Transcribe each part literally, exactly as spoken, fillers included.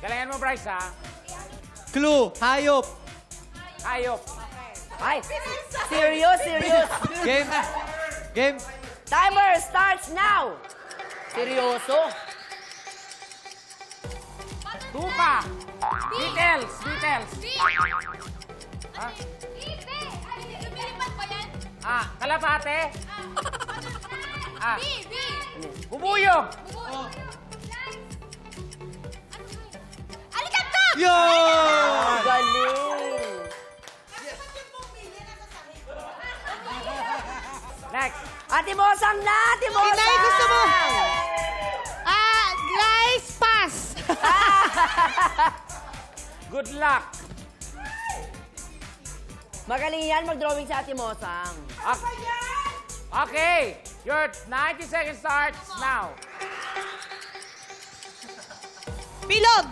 Galingan mo, Bryce, ha? Clue, hayop. Hayop. Ay, serious, serious. Game. Game. Timer starts now. Seryoso? Tuka. Details. Details. Ha? Ah, kalapate. Ah, bubuyog. Yo! Galing. Next. Ate Mosang na, Ate Mosang! Inay, gusto mo? Ah, guys, pass. Good luck. Magaling yan mag-drawing sa Ate Mosang. Okay. Okay. Your ninety seconds starts now. Bilog.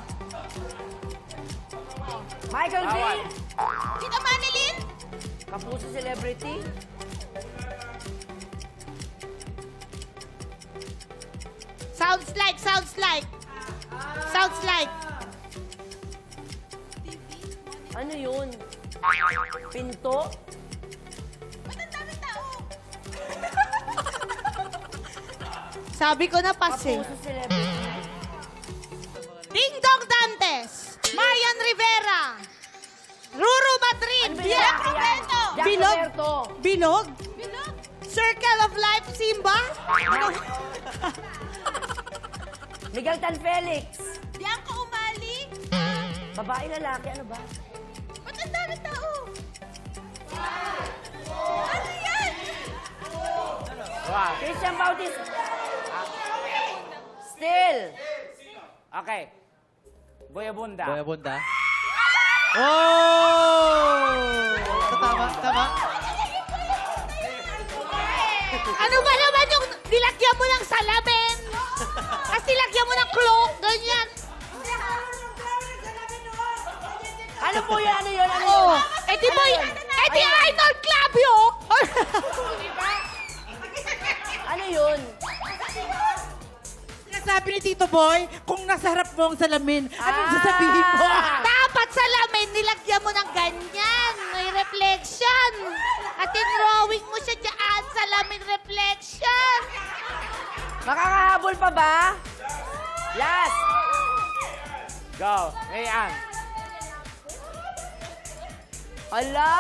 Michael V. Bawal. Sino Manilin? Kapuso celebrity. Sounds like, sounds like. Sounds like. Ano yun? Pinto? Sabi ko na pass eh. Kapuso celebrity. Ding Dong Dantes. Marian Rivera. Ruru Madrid. Ano ba Jack yan? Roberto. Jack Bilog. Roberto. Bilog? Circle of Life, Simba. Miguel Tan Felix. Bianca Umali. Babae, lalaki, ano ba? Ba't ang dami tao? Ano yan? Wow. Christian Bautista. Still. Okay. Boyabunda. Boya bunda. Oh! Tama, tama. Ano ba naman yung nilagyan mo ng salamin? Tapos nilagyan mo ng cloak, ganyan. Ano po yan? Ano yun? Ano Oh, yun? eh di mo, Ano yun? eh di Arnold Club yun. Ano yun? Sabi ni Tito Boy, kung nasa harap mo ang salamin, anong Ah! sasabihin mo? Dapat salamin, nilagyan mo ng ganyan. May reflection. At drawing mo siya dyan, salamin reflection. Makakahabol pa ba? Last. Go. Mayan. Hala!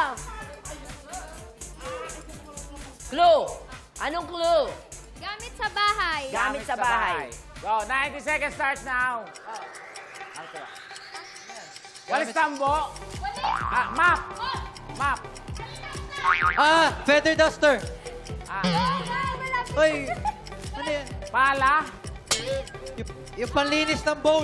Clue. Anong clue? Gamit sa bahay. Gamit sa bahay. Go. ninety seconds starts now. Okay. Walis tambo. Ah, map. Map. Ah, feather duster. Ah, Uy, ano yan? pala. Yung, yung panlinis ng bowl.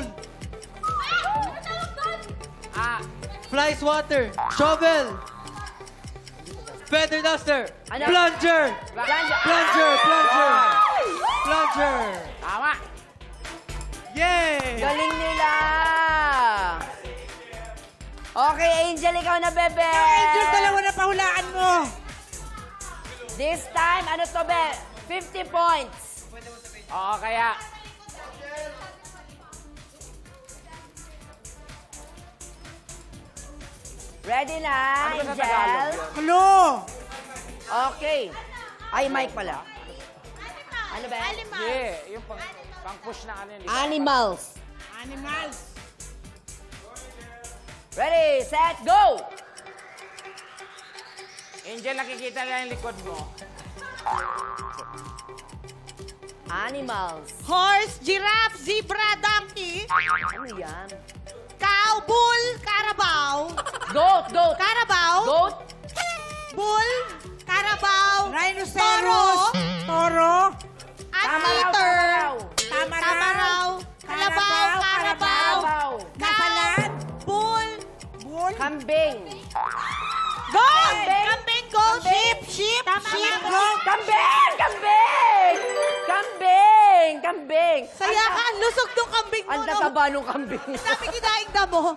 Ah, Fly swatter. Shovel. Feather duster. Ano? Plunger. Plunger. Plunger, plunger. Plunger. tama. Yay! Galing nila! Okay, Angel, ikaw na, bebe! Angel, dalawa na pahulaan mo. This time, ano to, be? fifty points. Oo, kaya. Ready na, Ano ba sa Tagalog Angel? yun? Hello. Okay. Ay, mic pala. Ano ba? Yeah, yung pang, pang push na ano yun. di ba? Animals. Animals. Ready, set, go! Angel, nakikita lang yung likod mo. Animals. Horse, giraffe, zebra, donkey. Ano yan? Cow, bull, carabao. Goat, goat. Carabao. Goat. Bull, carabao. Rhinoceros. Toro. Tama raw, tama Anteater. raw. Tama Tama raw. Kalabaw, carabao. Karabaw. Nasalan. Bull. Bull. Kambing. Goat. Kambing. Kambing, goat. Sheep. Sheep. Tama Sheep. nga. Goat. Kambing! Kambing! Kambing! Kambing! Saya ka, ang lusog ng kambing mo. Ang no? tataba nung kambing. Sabi kinaing na mo.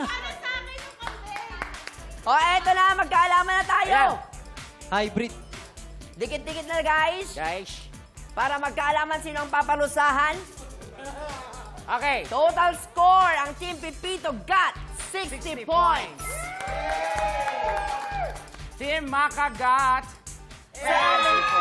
O, eto na, magkaalaman na tayo. Ayan. Hybrid. Dikit-dikit na, guys. Guys. Para magkaalaman sino ang papalusahan. Okay. Total score, ang Team Pipito got sixty, sixty points. Team Maka got seventy